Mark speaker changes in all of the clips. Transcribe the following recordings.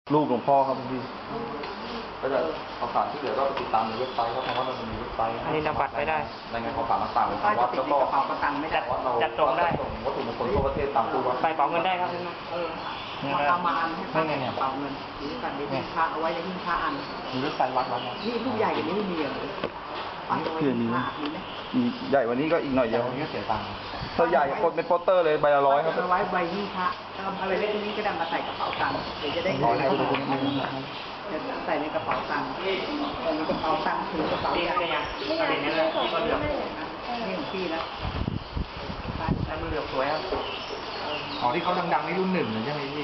Speaker 1: รูปหลวงพ่อครับพี่ก็จะข่าวสารที่เหลือก็ไปติดตามในเว็บไซต์ครับเพราะว่ามันมีเว็บไซต์
Speaker 2: อันนี้นำบัตรไปได้
Speaker 1: รายงานข่าวสารต่างๆของวัดแล้วก็
Speaker 2: จัดส่งได้
Speaker 1: วัตถุมงคลทั่วประเทศตามตู้วัด
Speaker 2: ใส่เป๋าเงินได้ครับ
Speaker 3: ประมาณให้ป้าเนี่ยเป๋าเงินหรือกันในหิ้งพระเอาไว้ในหิ้งพระอัน
Speaker 1: มีเว็บไซต์วัด
Speaker 3: นี่ลูกใหญ่อย่างนี้ไม่มีเลย
Speaker 1: เพื่อนมีใหญ่วันนี้ก็อีกหน่อยเดียวนี้เสียตังค์ถ้าใหญ่เป็นโปสเตอร์เลยใบละ100ครับ
Speaker 3: เอาไว้ใบหิ้งพระอะไรเล็กนี้ก็ได้มาใส่กระเป๋าตังค์เดี๋ยวจะได้ของใส่ในกระเป๋าตังค์ในกระเป๋าตังค์ถือกระเป๋าใหญ่
Speaker 2: นี่ไงนี่เลยก็เหลือ
Speaker 3: นี่ของพี่แล้ว
Speaker 2: แล้วมือเหลือสวยครับ
Speaker 1: อ๋อที่เขาดังๆนี่รุ่น 1ใช่ไหมพี่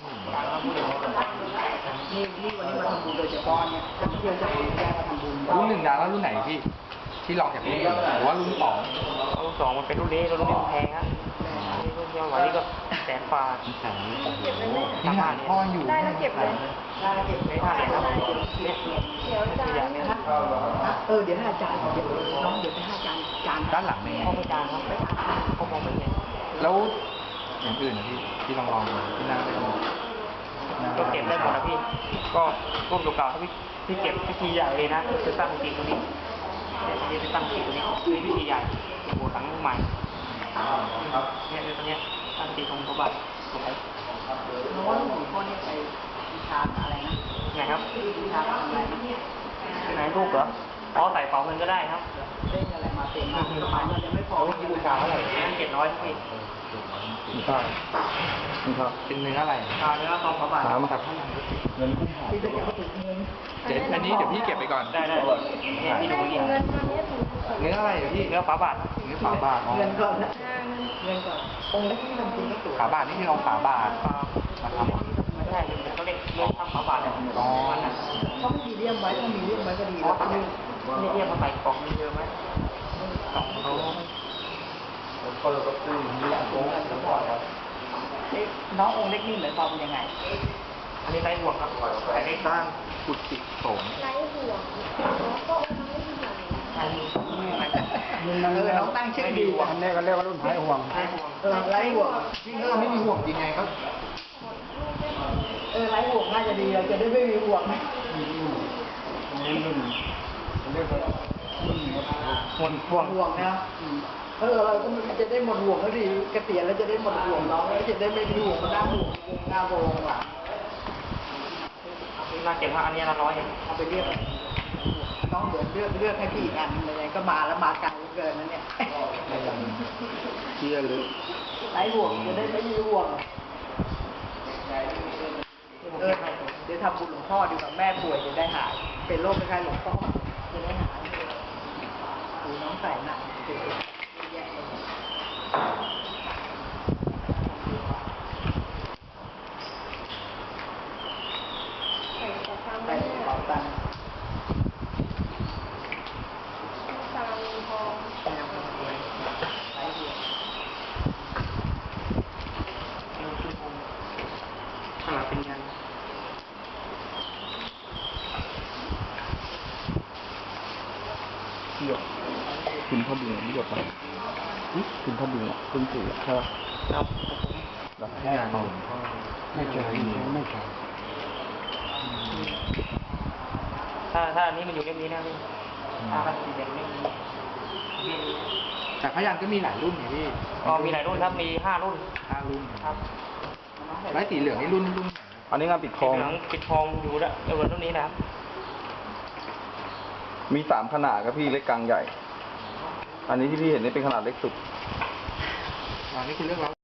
Speaker 3: นี่วันนี้มาทำบุญโดยเฉพาะเนี่ยเพื่อนจะเอาแยกมาทำบุญ
Speaker 1: รุ่น 1ดังแล้วรุ่นไหนพี่ที่ลองจากรุ่น1หรือว่ารุ่น
Speaker 2: 2มันเป็นรุ่นนี้มันแพงครับรุ่นเดียววันนี้ก็100,000
Speaker 1: นี่หาพ่ออยู่
Speaker 4: ได้แล้วเก็บเลย
Speaker 3: ได้เก็บไว้ได้ครับ
Speaker 4: เดี๋ยวจาน
Speaker 3: เดี๋ยวให้อาจารย์เดี๋ยวน้องเดี๋ยวไปให้อาจารย์
Speaker 1: ด้านหลังนี่
Speaker 2: พ่อไม่จานครับเขามองไม่เห็น
Speaker 1: แล้วอย่างอื่นนะพี่ลองที่นั่งได้
Speaker 2: ก็เก็บได้หมดนะพี่ก็ร่วมเก่าๆพี่เก็บพิธีใหญ่เลยนะจะตั้งจริงตรงนี้จะตั้งจริงตรงนี้คือพิธีใหญ่โบสถ์หลังใหม่เนี่ยตรงนี้ตั้งจริงตรงพระบาทสวย
Speaker 3: น้องว่าหลวงพ่อเนี่ยไปวิชาอะไรนะ
Speaker 2: ไงครับ
Speaker 3: วิชาอะไรนะ
Speaker 2: ไหนรูปเหรออ๋อใส่เป๋าเงินก็ได้ครับ
Speaker 3: เล่นอะไรมาเต็มมาสมัยมันยังไม่พอ
Speaker 2: ที่บูชาเท่าไหร่700พี่
Speaker 1: ใช่ครับเป็นเนื้ออะไร
Speaker 2: เนื้อทองพระบาท
Speaker 1: มาครับเงิน
Speaker 3: ที่จะเก็บถึงเงิน
Speaker 1: อันนี้เดี๋ยวพี่เก็บไปก่อน
Speaker 2: ได้พี่ดูเงิน
Speaker 1: เนื้ออะไรพี่
Speaker 2: เนื้อฝาบาท
Speaker 1: เนื้อฝาบาท
Speaker 3: เงินก่อนนะเงินก่อนองค์เล็กที่ทำจริงก็ตัว
Speaker 1: ฝาบาทนี่คือเอาฝาบาทมาทำ
Speaker 2: ไม่ใช่เขาเรียกเนื้อทำฝาบาทเนี่ย
Speaker 3: เขาไม่มีเลี่ยมไว้ถ้ามีเลี่ยมไว้ก็ดีแล้ว
Speaker 2: นี่เลี่ยมมาใส่กล่องมีเยอะไหมกล่องเขา
Speaker 1: ก็เลยก็ซื้อนี่โอ้
Speaker 3: น้ององค์เล็กนี่เหมือนความยังไง
Speaker 2: อันนี้ไร้ห่วงครับแต่ได้
Speaker 1: สร้างกุฏิสงฆ์
Speaker 4: ไร้ห่วงก็องค์ไม่ห่วง
Speaker 3: น้องตั้งชื่อดี
Speaker 1: อันนี้ก็เรียกว่ารุ่นไร้ห่วง
Speaker 3: ไร้ห่วง
Speaker 1: ยิ่งไม่มีห่วงยังไงครับ
Speaker 3: ไร้ห่วงน่าจะดีเราจะได้ไม่มีห่วง
Speaker 1: นี่รุ่นเรียกว่า
Speaker 2: หมดห่วง
Speaker 3: นะเราก็จะได้หมดห่วงแล้วดีเกษียณแล้วจะได้หมดห่วงน้องแล้วจะได้ไม่มีห่วงมานั่งห่วงหน้าโบงว่ะ
Speaker 2: น่าเก็บว่าอันนี้100
Speaker 3: เอาไปเรียกน้องเดือดเลือกให้พี่อีกอันเลยก็มาแล้วมาไกลเกินนั่นเนี่ย
Speaker 1: เชี่ยเลย
Speaker 3: ไร้ห่วงจะได้ไม่มีห่วงเดี๋ยวทำบุญหลวงพ่อดีกว่าแม่ป่วยจะได้หายเป็นโรคคล้ายๆหลวงพ่อจะได้หายดูน้องใส่หนักไปเป่าตัง
Speaker 4: ทอง
Speaker 2: ขนาดเป็นยัน
Speaker 1: หยดคุณพ่อบุญหยดไปคุณพ่อบุญคุณปู่ใช่ไหม
Speaker 2: ครับ
Speaker 1: แบบแค่ไม่ใช่ไม่ใช่
Speaker 2: ถ้าอันนี้มันอยู่เล่มนี้นะพี่ถ้าสีแดงเล่มนี้
Speaker 1: แต่พยัญชนะก็มีหลายรุ่นไงพี่
Speaker 2: มีหลายรุ่นครับมี5 รุ่น
Speaker 1: ครับไม้สีเหลืองนี่รุ่นอันนี้งานปิดทอง
Speaker 2: อยู่แล้วในวันรุ่นนี้นะครับ
Speaker 1: มี3ขนาดครับพี่เล็กกลางใหญ่อันนี้ที่พี่เห็นนี่เป็นขนาดเล็กสุดอันนี้คือเรื่องแล้ว